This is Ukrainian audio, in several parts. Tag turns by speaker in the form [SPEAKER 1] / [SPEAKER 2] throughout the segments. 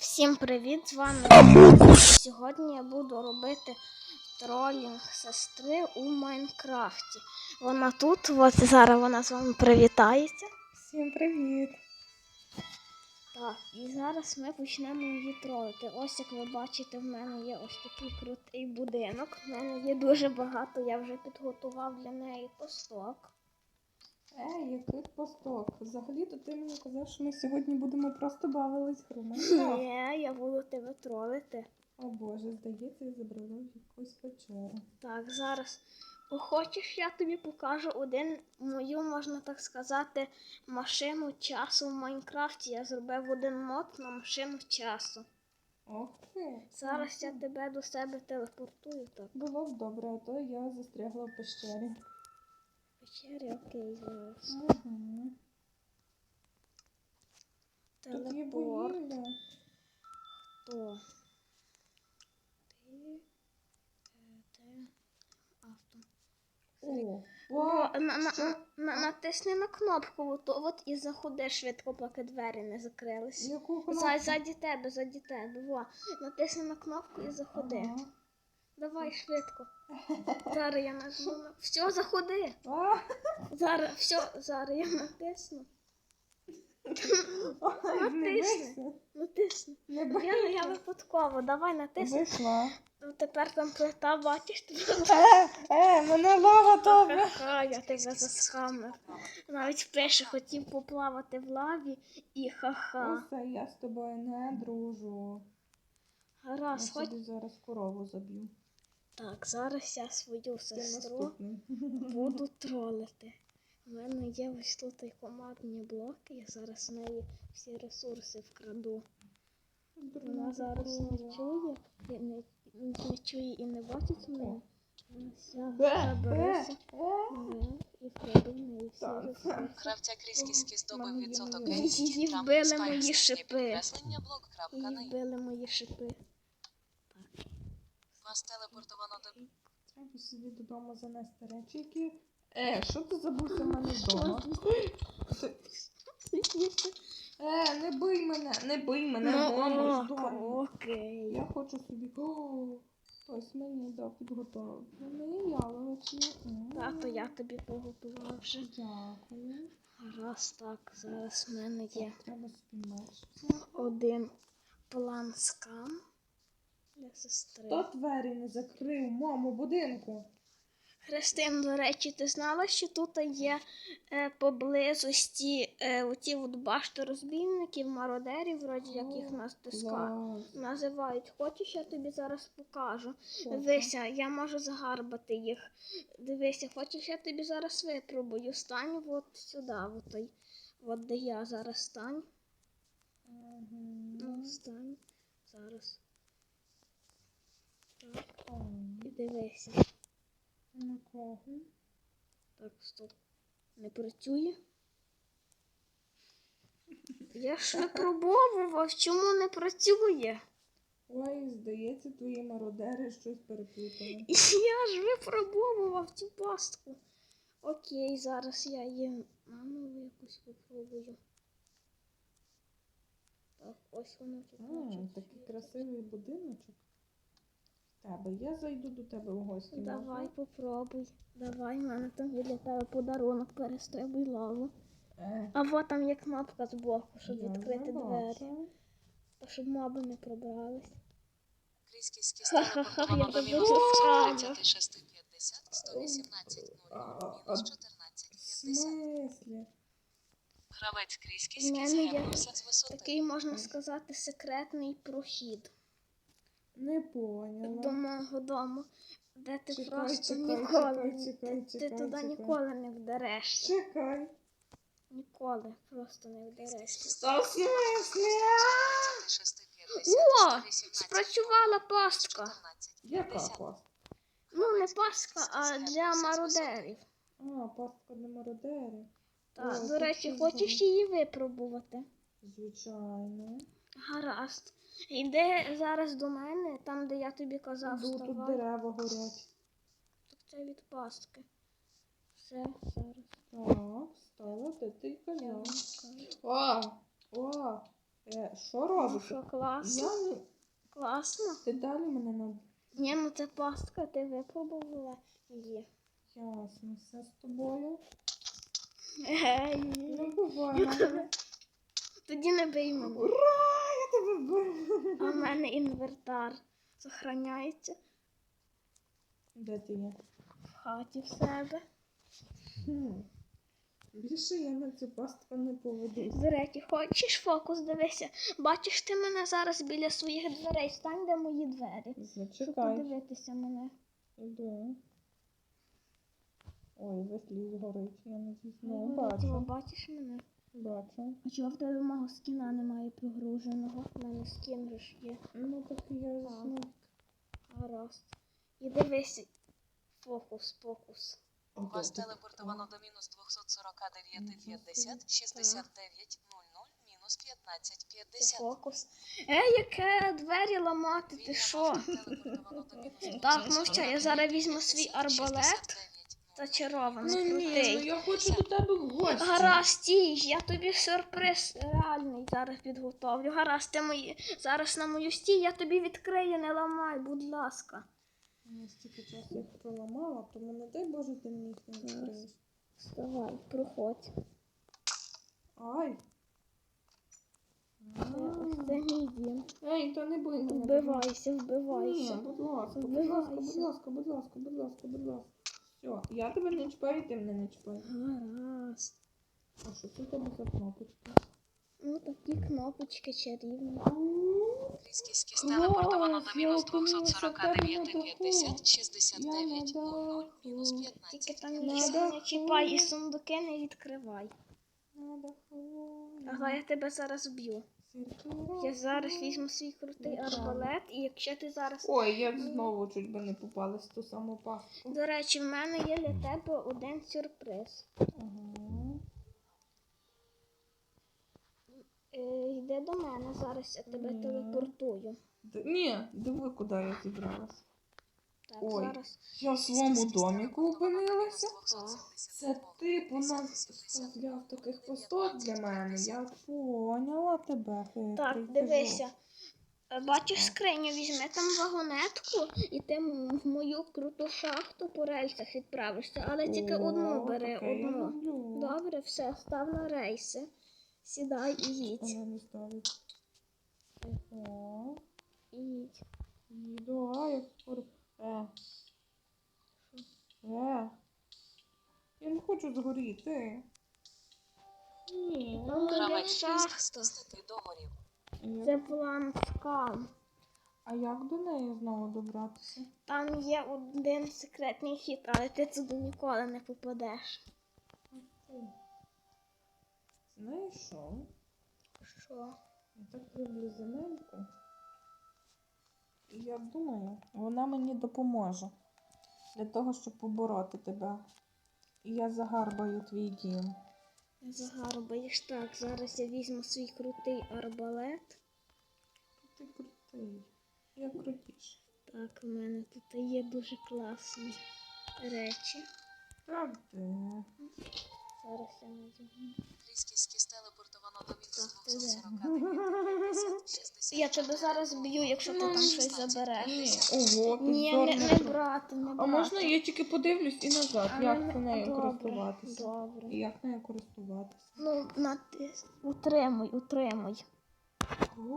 [SPEAKER 1] Всім привіт, з вами Амогус. Сьогодні я буду робити тролінг сестри у Майнкрафті. Вона тут, от зараз вона з вами привітається.
[SPEAKER 2] Всім привіт!
[SPEAKER 1] Так, і зараз ми почнемо її тролити. Ось як ви бачите, в мене є ось такий крутий будинок. В мене є дуже багато, я вже підготував для неї посток.
[SPEAKER 2] Який посток? Взагалі-то ти мені казав, що ми сьогодні будемо просто бавились в Майнкрафт.
[SPEAKER 1] Ні, я буду тебе тролити.
[SPEAKER 2] О боже, здається, я забрала в якусь печеру.
[SPEAKER 1] Так, зараз. Хочеш, я тобі покажу мою, можна так сказати, машину часу в Майнкрафті. Я зробив один мод на машину часу.
[SPEAKER 2] Ох ти.
[SPEAKER 1] Зараз я тебе до себе телепортую. Так.
[SPEAKER 2] Було б добре, а то я застрягла в пещері.
[SPEAKER 1] Печері, окей, зараз.
[SPEAKER 2] Угу. Тут є
[SPEAKER 1] Телепорт.
[SPEAKER 2] вугілля.
[SPEAKER 1] Хто? Ти. Авто. Натисни на кнопку, от і заходи швидко, поки двері не закрились.
[SPEAKER 2] Яку кнопку?
[SPEAKER 1] Ззаді тебе. Во. Натисни на кнопку і заходи.
[SPEAKER 2] Ага.
[SPEAKER 1] Давай швидко. Зараз я нажму. Все, заходи. Зараз я натисну. Натисни. Я випадково. Давай натисни.
[SPEAKER 2] Вийшла.
[SPEAKER 1] Тепер там плита, бачиш?
[SPEAKER 2] Мене лава добре.
[SPEAKER 1] Я тебе засхамив. Навіть пише, хотів поплавати в лаві і ха-ха.
[SPEAKER 2] Усе, я з тобою не дружу.
[SPEAKER 1] Гаразд,
[SPEAKER 2] Я собі зараз корову заб'ю.
[SPEAKER 1] Так, зараз я свою сестру
[SPEAKER 2] Наступний.
[SPEAKER 1] буду тролити. У мене є ось тут і командні блоки, я зараз в неї всі ресурси вкраду. Вона зараз не чує, не чує і не бачить мене. Забереться і вкраду в неї всі ресурси.
[SPEAKER 3] Гравця Кріскіський здобив відсоток
[SPEAKER 1] Її вбили мої шипи. Її вбили мої шипи.
[SPEAKER 3] Вас телепортовано до...
[SPEAKER 2] Треба собі додому занести речі, які... що ти забувся в мене вдома? Не бий мене, мамо, здорово.
[SPEAKER 1] Окей.
[SPEAKER 2] Я хочу собі... Ось мені дав підготовку. Мені яловичі.
[SPEAKER 1] Тато, я тобі поготував вже.
[SPEAKER 2] Дякую.
[SPEAKER 1] Раз так, зараз в мене є
[SPEAKER 2] Треба собі меч.
[SPEAKER 1] один план скам для сестри.
[SPEAKER 2] Хто двері не закрив в моєму будинку?
[SPEAKER 1] Христин, до речі, ти знала, що тут є поблизості оті от башти розбійників, мародерів, вроді як їх називають. Хочеш, я тобі зараз покажу. Дивися, я можу загарбати їх. Дивися, хочеш, я тобі зараз випробую. Стань от сюди, от де я зараз стань. Ну, стань. Зараз. Так. І дивися.
[SPEAKER 2] На кого?
[SPEAKER 1] Так, стоп. Не працює? Я ж випробовував, чому не працює?
[SPEAKER 2] Ой, здається, твої мародери щось переплутали.
[SPEAKER 1] Я ж випробовував цю пастку. Окей, зараз я її наново якось попробую. Так, ось воно тут.
[SPEAKER 2] Такий красивий будиночок. Тебе. Я зайду до тебе в гості.
[SPEAKER 1] Давай, попробуй. Давай, в мене там є для тебе подарунок, перестрибуй лаву. А вот там є кнопка збоку, щоб відкрити двері. Щоб моби не пробрались.
[SPEAKER 3] Кріскіський телепортовано до мінус 3650, 118 0, мінус 1450.
[SPEAKER 2] В смислі?
[SPEAKER 3] Гравець
[SPEAKER 1] У
[SPEAKER 3] Кріскіський
[SPEAKER 1] мене є
[SPEAKER 3] з'явився з висоти.
[SPEAKER 1] такий, можна сказати, секретний прохід.
[SPEAKER 2] Не поняла.
[SPEAKER 1] До мого дому, де ти
[SPEAKER 2] Чекай,
[SPEAKER 1] просто
[SPEAKER 2] чекай,
[SPEAKER 1] ніколи,
[SPEAKER 2] чекай,
[SPEAKER 1] ти туди ніколи не вдарешся.
[SPEAKER 2] Чекай.
[SPEAKER 1] Ніколи просто не вдарешся.
[SPEAKER 2] Що в смислі?
[SPEAKER 3] 3650,
[SPEAKER 1] О,
[SPEAKER 3] 118
[SPEAKER 1] спрацювала пастка.
[SPEAKER 3] 14
[SPEAKER 2] Яка
[SPEAKER 3] 50.
[SPEAKER 2] пастка?
[SPEAKER 1] Ну, не пастка, а для мародерів.
[SPEAKER 2] Пастка для мародерів.
[SPEAKER 1] Так,
[SPEAKER 2] О,
[SPEAKER 1] до речі,
[SPEAKER 2] це
[SPEAKER 1] хочеш її випробувати?
[SPEAKER 2] Звичайно.
[SPEAKER 1] Гаразд. Йди зараз до мене, там, де я тобі казав,
[SPEAKER 2] Тут
[SPEAKER 1] вставай.
[SPEAKER 2] дерева горять.
[SPEAKER 1] Так це від пастки. Все, зараз.
[SPEAKER 2] Так, стало, де ти казав. О, Що
[SPEAKER 1] Ну
[SPEAKER 2] робиш?
[SPEAKER 1] що, класно?
[SPEAKER 2] Я не...
[SPEAKER 1] Класно?
[SPEAKER 2] Ти далі мене на...
[SPEAKER 1] Ні, ну це пастка, ти випробувала її.
[SPEAKER 2] Ясно, все з тобою.
[SPEAKER 1] Ей,
[SPEAKER 2] Не буває мене.
[SPEAKER 1] тоді не бий мене.
[SPEAKER 2] Ура! Я тебе бив.
[SPEAKER 1] А в мене інвентар зберігається
[SPEAKER 2] Де ти є?
[SPEAKER 1] в хаті в себе.
[SPEAKER 2] Більше я на цю пастку не поведусь.
[SPEAKER 1] До речі, хочеш фокус, дивися. Бачиш ти мене зараз біля своїх дверей, стань де мої двері. Щоб
[SPEAKER 2] Зачекай.
[SPEAKER 1] подивитися мене.
[SPEAKER 2] Іду. Ой, весь горить, я не
[SPEAKER 1] Ну,
[SPEAKER 2] бачу.
[SPEAKER 1] бачиш мене?
[SPEAKER 2] Бачу.
[SPEAKER 1] А чого в тебе мого скіна немає прогруженого? У мене скін же ж є.
[SPEAKER 2] Ну так я знаю.
[SPEAKER 1] Гаразд. І дивися. Фокус.
[SPEAKER 3] Вас телепортовано до мінус 249,50, 69,00, мінус 15,50.
[SPEAKER 1] Це фокус. Яке двері ламати, ти що? Так, ну що, я зараз візьму свій арбалет. Зачарований,
[SPEAKER 2] Ну ні, ну
[SPEAKER 1] крутий.
[SPEAKER 2] я хочу до тебе в гості.
[SPEAKER 1] Гаразд, стій, я тобі сюрприз реальний зараз підготовлю. Гаразд, ти зараз на мою стій, я тобі відкрию, не ламай, будь ласка.
[SPEAKER 2] Я стільки часу їх проламала, тому не дай Боже ти мені їх не відкриєш.
[SPEAKER 1] Вставай, проходь.
[SPEAKER 2] Ай.
[SPEAKER 1] Це мій дім.
[SPEAKER 2] Ей, та не бий мене.
[SPEAKER 1] Вбивайся,
[SPEAKER 2] Ні,
[SPEAKER 1] вбивайся.
[SPEAKER 2] будь ласка, будь
[SPEAKER 1] Вбивайся.
[SPEAKER 2] ласка, будь ласка, будь ласка, будь ласка, будь ласка. Все, я тебе не чіпаю, ти мене не чіпаєш.
[SPEAKER 1] Гаразд.
[SPEAKER 2] А що це там за кнопочка?
[SPEAKER 1] Ну такі кнопочки чарівні.
[SPEAKER 3] Кріскість телепортовано до мінус 249,50, 69,00, мінус
[SPEAKER 1] Тільки там
[SPEAKER 3] 15,50.
[SPEAKER 1] нічого не чіпай і сундуки не відкривай.
[SPEAKER 2] Надо
[SPEAKER 1] Ага, я тебе зараз б'ю. Я зараз візьму свій крутий арбалет, і якщо ти зараз...
[SPEAKER 2] Ой, я знову чуть би не попалась в ту саму пастку.
[SPEAKER 1] До речі, в мене є для тебе один сюрприз.
[SPEAKER 2] Ага.
[SPEAKER 1] Йди до мене, зараз я тебе
[SPEAKER 2] Ні.
[SPEAKER 1] телепортую.
[SPEAKER 2] Ні, диви, куди я зібралась.
[SPEAKER 1] Так,
[SPEAKER 2] Ой.
[SPEAKER 1] зараз.
[SPEAKER 2] Я в своєму доміку опинилася.
[SPEAKER 3] Так.
[SPEAKER 2] Це ти по нас вставляв таких посток для мене. Я поняла тебе, хитрий.
[SPEAKER 1] Так, дивися. Бачиш скриню, візьми там вагонетку і ти в мою круту шахту по рельсах відправишся. Але тільки одну бери,
[SPEAKER 2] таке я
[SPEAKER 1] одну.
[SPEAKER 2] люблю.
[SPEAKER 1] Добре, все, став на рейси. Сідай і їдь.
[SPEAKER 2] Вона не ставить. Ого.
[SPEAKER 1] Їдь.
[SPEAKER 2] Їду, а як скоро. Я не хочу згоріти. Ні.
[SPEAKER 1] Там буде
[SPEAKER 3] Гравець
[SPEAKER 1] шахта.
[SPEAKER 3] крізь 10 доларів.
[SPEAKER 1] Це план скам.
[SPEAKER 2] А як до неї знову добратися?
[SPEAKER 1] Там є один секретний хід, але ти туди ніколи не попадеш.
[SPEAKER 2] Знаєш що?
[SPEAKER 1] Що?
[SPEAKER 2] Я так люблю земельку. І я думаю, вона мені допоможе для того, щоб побороти тебе. І я загарбаю твій дім.
[SPEAKER 1] Загарбаєш так. Зараз я візьму свій крутий арбалет.
[SPEAKER 2] Ти крутий. Я крутіш.
[SPEAKER 1] Так, у мене тут є дуже класні речі.
[SPEAKER 2] Так, де?
[SPEAKER 1] Зараз я надягну.
[SPEAKER 3] Кріскість телепортовано до мінус
[SPEAKER 1] Так, ти де?
[SPEAKER 3] 249,50, 60.
[SPEAKER 1] Я тебе зараз б'ю, якщо ти там щось забереш.
[SPEAKER 2] Ні. Ого,
[SPEAKER 1] Ні,
[SPEAKER 2] підзорна.
[SPEAKER 1] не брати, не брати.
[SPEAKER 2] А можна я тільки подивлюсь і назад,
[SPEAKER 1] А
[SPEAKER 2] як
[SPEAKER 1] мене-
[SPEAKER 2] нею
[SPEAKER 1] добре,
[SPEAKER 2] користуватися?
[SPEAKER 1] Добре.
[SPEAKER 2] І як нею користуватися?
[SPEAKER 1] Ну, утримуй.
[SPEAKER 2] О,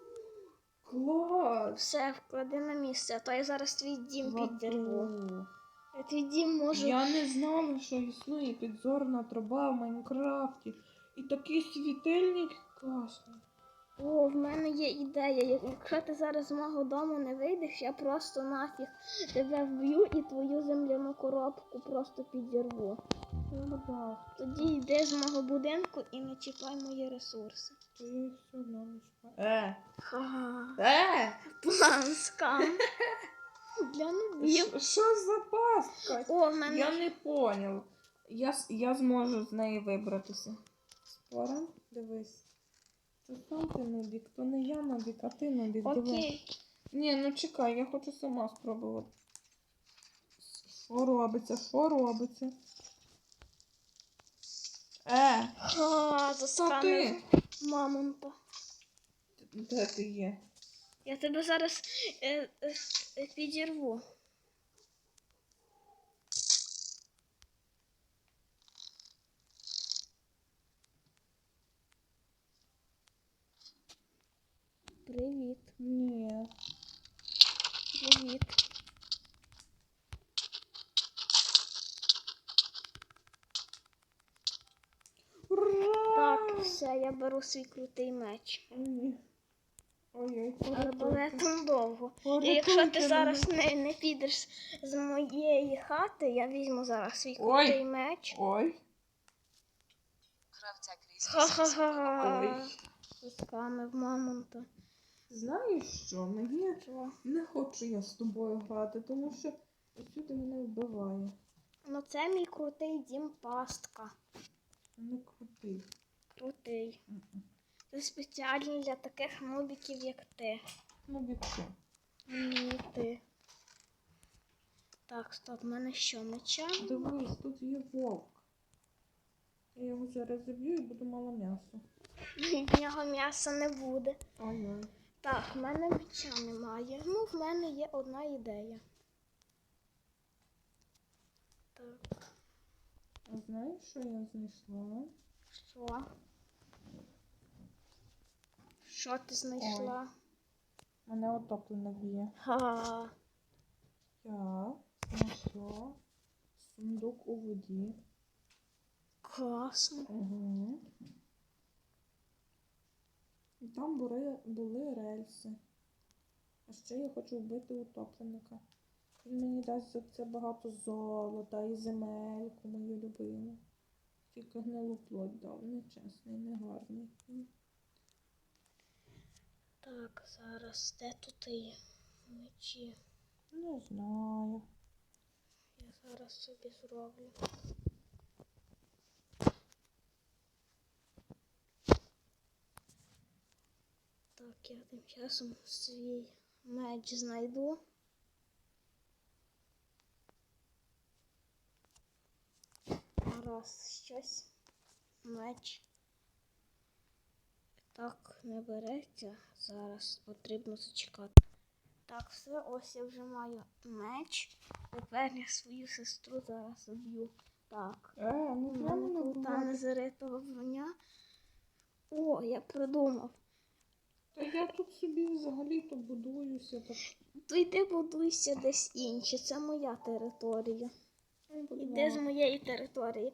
[SPEAKER 2] клас!
[SPEAKER 1] Все, вклади на місце, а то я зараз твій дім підірву.
[SPEAKER 2] Вау.
[SPEAKER 1] Я твій дім можу...
[SPEAKER 2] Я не знала, що існує підзорна труба в Майнкрафті. І такий світильник класний.
[SPEAKER 1] О, в мене є ідея. Якщо ти зараз з мого дому не вийдеш, я просто нафіг тебе вб'ю і твою земляну коробку просто підірву. Тоді йди з мого будинку і не чіпай мої ресурси.
[SPEAKER 2] То я їх все одно не чіпаю.
[SPEAKER 1] Ха-ха. План скам. Для нубів.
[SPEAKER 2] Що за пастка?
[SPEAKER 1] О, в мене...
[SPEAKER 2] Я не поняв. Я зможу з неї вибратися. Спора? Дивись. Це сам ти нубік, то не я нубік, а ти нубік. Дивись.
[SPEAKER 1] Окей.
[SPEAKER 2] Ні, ну чекай, я хочу сама спробувати. Що робиться? Що робиться?
[SPEAKER 1] Ха,
[SPEAKER 2] Що ти?
[SPEAKER 1] заскамив мамонта.
[SPEAKER 2] Де ти є?
[SPEAKER 1] Я тебе зараз підірву. Привіт.
[SPEAKER 2] Ні.
[SPEAKER 1] Привіт.
[SPEAKER 2] Ура!
[SPEAKER 1] Так, все, я беру свій крутий меч.
[SPEAKER 2] Ой. Ой-ой,
[SPEAKER 1] Арбалетом довго. І
[SPEAKER 2] Порятуйте
[SPEAKER 1] якщо ти
[SPEAKER 2] мене.
[SPEAKER 1] зараз не підеш з моєї хати, я візьму зараз свій
[SPEAKER 2] Ой.
[SPEAKER 1] крутий меч.
[SPEAKER 2] Ой.
[SPEAKER 3] Гравця крізь
[SPEAKER 1] Ха-ха-ха. Заскамив мамонта.
[SPEAKER 2] Знаєш що? Мені
[SPEAKER 1] Що?
[SPEAKER 2] не хочу я з тобою грати, тому що усюди мене вбиває.
[SPEAKER 1] Ну це мій крутий дім пастка.
[SPEAKER 2] Не крутий.
[SPEAKER 1] Крутий.
[SPEAKER 2] М-м.
[SPEAKER 1] Це спеціально для таких нубіків, як ти.
[SPEAKER 2] Ну, відчу.
[SPEAKER 1] Ні, ти. Так, стоп, в мене що, меча?
[SPEAKER 2] Дивись, тут є вовк. Я його зараз заб'ю і буду мало м'яса.
[SPEAKER 1] В нього м'яса не буде.
[SPEAKER 2] Ой-ой.
[SPEAKER 1] Так, в мене меча немає. Ну, в мене є одна ідея. Так,
[SPEAKER 2] А знаєш, що я знайшла?
[SPEAKER 1] що? Що ти знайшла?
[SPEAKER 2] Мене отоплено б'є.
[SPEAKER 1] Ха.
[SPEAKER 2] Я знайшла сундук у воді.
[SPEAKER 1] Класно.
[SPEAKER 2] Угу. І там були рельси. А ще я хочу вбити утопленика. Він мені дасть за це багато золота і земельку мою любиму. Тільки гнилу плоть дав. Нечесний, негарний.
[SPEAKER 1] Так, зараз де тут і мечі?
[SPEAKER 2] Не знаю.
[SPEAKER 1] Я зараз собі зроблю. Так, я тим часом свій меч знайду. Раз, щось. Меч. Так, не береться. Зараз потрібно зачекати. Так, все, ось я вже маю меч. Тепер я свою сестру зараз уб'ю. Так.
[SPEAKER 2] Не треба мене
[SPEAKER 1] Та
[SPEAKER 2] вбивати.
[SPEAKER 1] незаритого броня. О, я придумав.
[SPEAKER 2] Та я тут собі взагалі-то будуюся. Так.
[SPEAKER 1] То йди будуйся десь інше. Це моя територія. Іди з моєї території.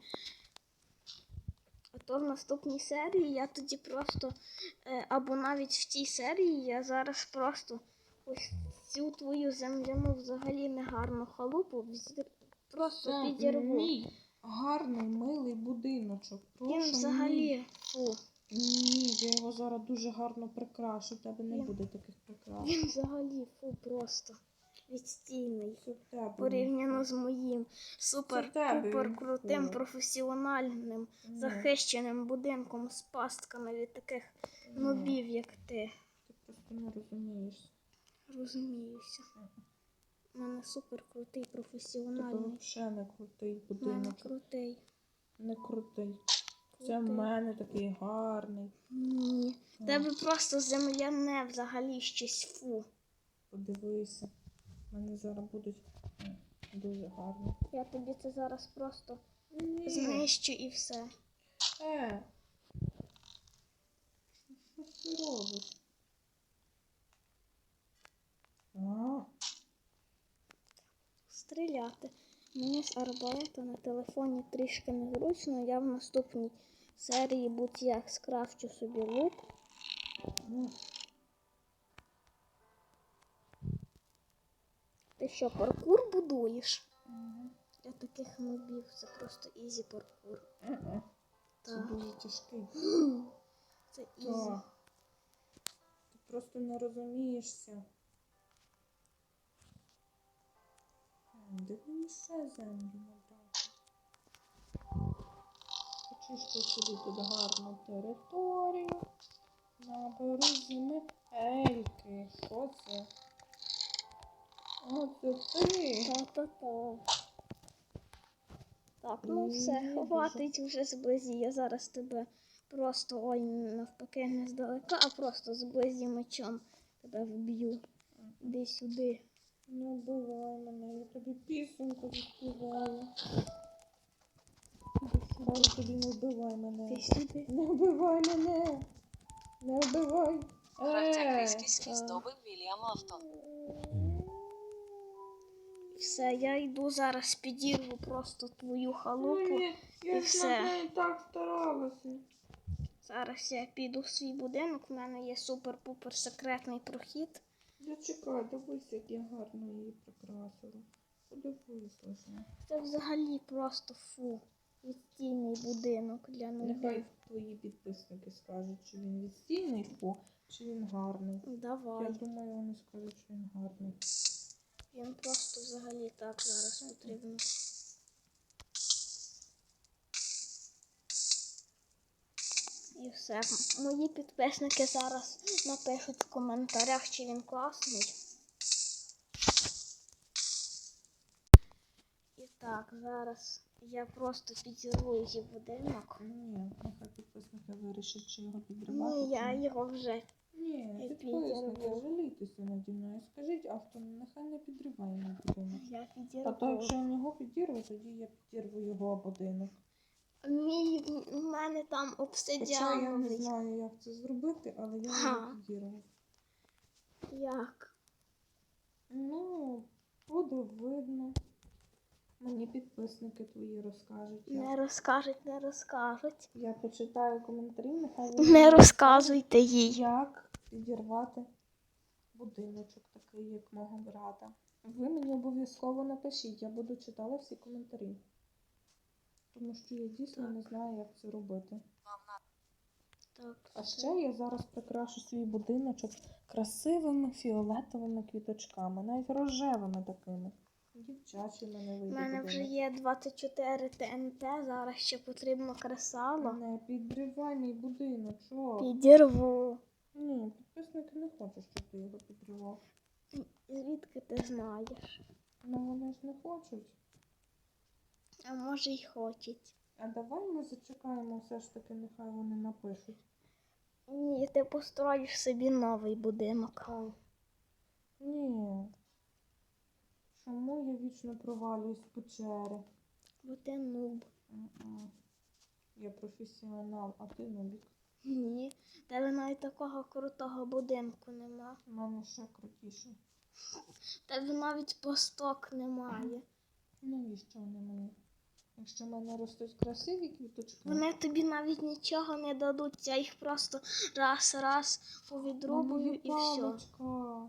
[SPEAKER 1] А то в наступній серії я тоді просто, або навіть в тій серії я зараз просто ось цю твою земляну взагалі негарну халупу просто
[SPEAKER 2] Це
[SPEAKER 1] підірву.
[SPEAKER 2] мій гарний, милий будиночок.
[SPEAKER 1] Він
[SPEAKER 2] Прошу,
[SPEAKER 1] взагалі, фу,
[SPEAKER 2] Ні, я його зараз дуже гарно прикрашу. У тебе не
[SPEAKER 1] Він-
[SPEAKER 2] буде таких прикрас.
[SPEAKER 1] він взагалі, фу, просто відстійний.
[SPEAKER 2] Це в тебе.
[SPEAKER 1] Порівняно з моїм
[SPEAKER 2] тебе
[SPEAKER 1] супер-пупер
[SPEAKER 2] він
[SPEAKER 1] крутим,
[SPEAKER 2] фу.
[SPEAKER 1] професіональним,
[SPEAKER 2] Ні,
[SPEAKER 1] захищеним будинком з пастками від таких
[SPEAKER 2] ні,
[SPEAKER 1] нубів, як ти.
[SPEAKER 2] Ти просто не розумієш.
[SPEAKER 1] Розуміюся. У мене супер крутий,
[SPEAKER 2] Тебе
[SPEAKER 1] професіональний.
[SPEAKER 2] взагалі не крутий
[SPEAKER 1] У мене
[SPEAKER 2] будиночок.
[SPEAKER 1] крутий.
[SPEAKER 2] Не крутий. Це в
[SPEAKER 1] Крутий.
[SPEAKER 2] мене такий гарний.
[SPEAKER 1] Ні. В тебе просто земляне взагалі щось фу.
[SPEAKER 2] Подивися. У мене зараз будуть дуже гарні.
[SPEAKER 1] Я тобі це зараз просто
[SPEAKER 2] Ні.
[SPEAKER 1] знищу і все.
[SPEAKER 2] Що ти робиш? А,
[SPEAKER 1] Стріляти. Мені з арбалета на телефоні трішки незручно. Я в наступній серії будь-як скрафчу собі лук.
[SPEAKER 2] ну,
[SPEAKER 1] Ти що, паркур будуєш?
[SPEAKER 2] ага.
[SPEAKER 1] Для таких нубів це просто ізі паркур.
[SPEAKER 2] Це
[SPEAKER 1] Так.
[SPEAKER 2] дуже тяжкий.
[SPEAKER 1] Це ізі.
[SPEAKER 2] Так. Ти просто не розумієшся. Де мені ще землю набрати? Почистив собі тут гарну територію. Наберу земельки. Що це? Оце ти.
[SPEAKER 1] Та-та-та. Так, ну все, хватить вже зблизі. Я зараз тебе Просто ой, навпаки, не здалека, а просто зблизі мечом тебе вб'ю. Іди сюди.
[SPEAKER 2] Не вбивай мене, я тобі пісеньку заспіваю.
[SPEAKER 1] Іди сюди.
[SPEAKER 2] Кажу тобі, не вбивай мене.
[SPEAKER 1] Ти сюди.
[SPEAKER 2] Не вбивай мене. Не вбивай.
[SPEAKER 3] Гравця крізь скіс
[SPEAKER 1] так.
[SPEAKER 3] здобив Вільям Автон.
[SPEAKER 1] Все, я йду зараз підірву просто твою халупу.
[SPEAKER 2] Ой,
[SPEAKER 1] і
[SPEAKER 2] я
[SPEAKER 1] все.
[SPEAKER 2] ж над нею так старалася.
[SPEAKER 1] Зараз я піду в свій будинок, у мене є супер-пупер секретний прохід.
[SPEAKER 2] Зачекай, дивись, як я гарно її прикрасила. Подивись лише.
[SPEAKER 1] Це взагалі просто фу. Відстійний будинок для
[SPEAKER 2] Нехай
[SPEAKER 1] нових.
[SPEAKER 2] твої підписники скажуть, чи він відстійний фу, чи він гарний. Я
[SPEAKER 1] Давай.
[SPEAKER 2] думаю, вони скажуть, що він гарний.
[SPEAKER 1] Він просто взагалі так зараз потрібно. І все. Мої підписники зараз напишуть в коментарях, чи він класний. І так, зараз я просто підірву її будинок.
[SPEAKER 2] Ні, нехай підписники вирішать, чи його підривати.
[SPEAKER 1] Ні, я
[SPEAKER 2] чи ні.
[SPEAKER 1] його вже.
[SPEAKER 2] Ні,
[SPEAKER 1] я
[SPEAKER 2] підписники,
[SPEAKER 1] підірву.
[SPEAKER 2] жалійтеся наді мною. Скажіть автор, нехай не підриває мій будинок.
[SPEAKER 1] Я
[SPEAKER 2] А
[SPEAKER 1] підірву.
[SPEAKER 2] то якщо я його підірву, тоді я підірву його будинок.
[SPEAKER 1] У мене там
[SPEAKER 2] Хоча я не
[SPEAKER 1] обсидіановий.
[SPEAKER 2] знаю, як це зробити, але я
[SPEAKER 1] Ха.
[SPEAKER 2] його підірву.
[SPEAKER 1] Як?
[SPEAKER 2] Ну, буде видно. Мені підписники твої розкажуть.
[SPEAKER 1] Не розкажуть, не розкажуть.
[SPEAKER 2] Я почитаю коментарі, нехай вони
[SPEAKER 1] Не
[SPEAKER 2] мені
[SPEAKER 1] розказуйте їй.
[SPEAKER 2] як підірвати будиночок такий, як мого брата. Ви мені обов'язково напишіть, я буду читала всі коментарі. Тому що я дійсно не знаю, як це робити.
[SPEAKER 3] Вам на
[SPEAKER 1] Так,
[SPEAKER 2] А ще я зараз прикрашу свій будиночок красивими фіолетовими квіточками, навіть рожевими такими. Дівчачий мене
[SPEAKER 1] у
[SPEAKER 2] вийде
[SPEAKER 1] мене вже
[SPEAKER 2] будинок.
[SPEAKER 1] є 24 ТНТ, зараз ще потрібно кресало.
[SPEAKER 2] Не підривай мій будиночок.
[SPEAKER 1] Підірву.
[SPEAKER 2] Ні, підписники не хочуть, щоб ти його підривав.
[SPEAKER 1] Звідки ти знаєш?
[SPEAKER 2] Ну вони ж не хочуть.
[SPEAKER 1] А може й хочуть.
[SPEAKER 2] А давай ми зачекаємо все ж таки, нехай вони напишуть.
[SPEAKER 1] Ні, ти построїш собі новий будинок.
[SPEAKER 2] Ой. Ні. Чому я вічно провалююсь в печери?
[SPEAKER 1] Бо ти нуб.
[SPEAKER 2] М-м. Я професіонал, а ти нубік.
[SPEAKER 1] Ні. В тебе навіть такого крутого будинку нема.
[SPEAKER 2] У мене ще крутіше.
[SPEAKER 1] В тебе навіть посток немає.
[SPEAKER 2] Навіщо вони мені? Якщо в мене ростуть красиві квіточки,
[SPEAKER 1] Вони тобі навіть нічого не дадуть, я їх просто раз повідрубую і все.
[SPEAKER 2] паличка.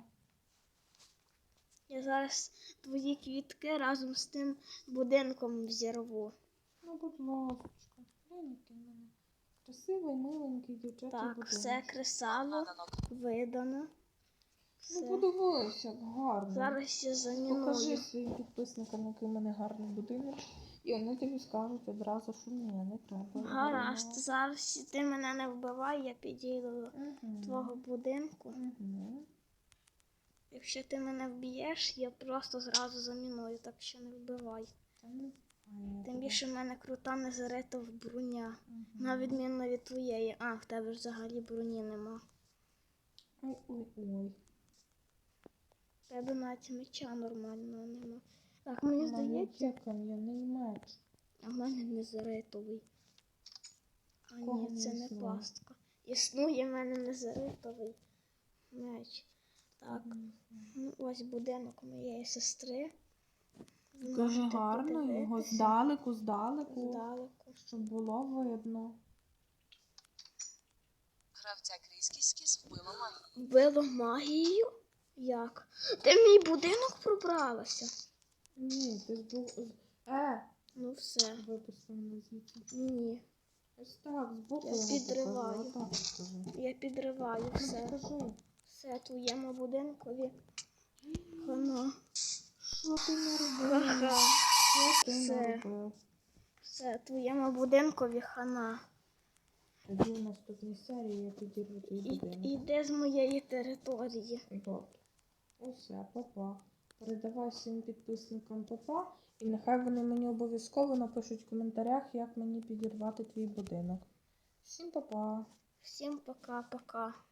[SPEAKER 1] Я зараз твої квітки разом з тим будинком взірву.
[SPEAKER 2] Ну, будь ласочка, глянь, який в мене красивий, миленький дівчачий
[SPEAKER 1] Так,
[SPEAKER 2] будинок.
[SPEAKER 1] все кресало
[SPEAKER 3] надано.
[SPEAKER 1] видано.
[SPEAKER 2] Ну,
[SPEAKER 1] Все.
[SPEAKER 2] подивись, як гарно.
[SPEAKER 1] Зараз я
[SPEAKER 2] Покажи
[SPEAKER 1] заміную.
[SPEAKER 2] своїм підписникам, який в мене гарний будинок. І вони тобі скажуть одразу, що ні, не треба.
[SPEAKER 1] Гаразд, зараз ти мене не вбивай, я підійду до
[SPEAKER 2] Угу.
[SPEAKER 1] твого будинку.
[SPEAKER 2] Угу.
[SPEAKER 1] Якщо ти мене вб'єш, я просто зразу заміную, так що не вбивай.
[SPEAKER 2] Та не знаю.
[SPEAKER 1] Тим більше в мене крута незарита броня.
[SPEAKER 2] Угу.
[SPEAKER 1] На відміну від твоєї. А, в тебе ж взагалі броні нема.
[SPEAKER 2] Ой-ой-ой.
[SPEAKER 1] В тебе навіть меча нормального нема. Так, мені здається,
[SPEAKER 2] Є кам'яний меч.
[SPEAKER 1] а в мене незаритовий. А
[SPEAKER 2] Кого
[SPEAKER 1] ні, це
[SPEAKER 2] не
[SPEAKER 1] не
[SPEAKER 2] існує?
[SPEAKER 1] пастка. Існує в мене незаритовий меч. Так, ну, ось будинок моєї сестри. Ви
[SPEAKER 2] Дуже
[SPEAKER 1] можете
[SPEAKER 2] гарно, його
[SPEAKER 1] подивитися.
[SPEAKER 2] здалеку,
[SPEAKER 1] Здалеку.
[SPEAKER 2] щоб було видно.
[SPEAKER 3] Гравця крізь скіс вбило магію.
[SPEAKER 1] Вбило магію? Як? Ти в мій будинок пробралася?
[SPEAKER 2] Ні, ти ж був...
[SPEAKER 1] Ну все.
[SPEAKER 2] Випустив мене звідси.
[SPEAKER 1] Ні.
[SPEAKER 2] Ось так, збоку
[SPEAKER 1] Я
[SPEAKER 2] його
[SPEAKER 1] підриваю.
[SPEAKER 2] покажи, отак покажи.
[SPEAKER 1] Я підриваю все.
[SPEAKER 2] Покажи.
[SPEAKER 1] Все твоєму будинкові. Воно.
[SPEAKER 2] Що ти наробив?
[SPEAKER 1] Ха-ха.
[SPEAKER 2] Що ти
[SPEAKER 1] Все.
[SPEAKER 2] наробив?
[SPEAKER 1] Все твоєму будинкові хана.
[SPEAKER 2] Тоді в наступній серії я підірву твій будинок.
[SPEAKER 1] Іди з моєї території.
[SPEAKER 2] Добре. Усе, папа. Передавай всім підписникам папа. І нехай вони мені обов'язково напишуть в коментарях, як мені підірвати твій будинок. Всім па-па.
[SPEAKER 1] Всім пока-пока.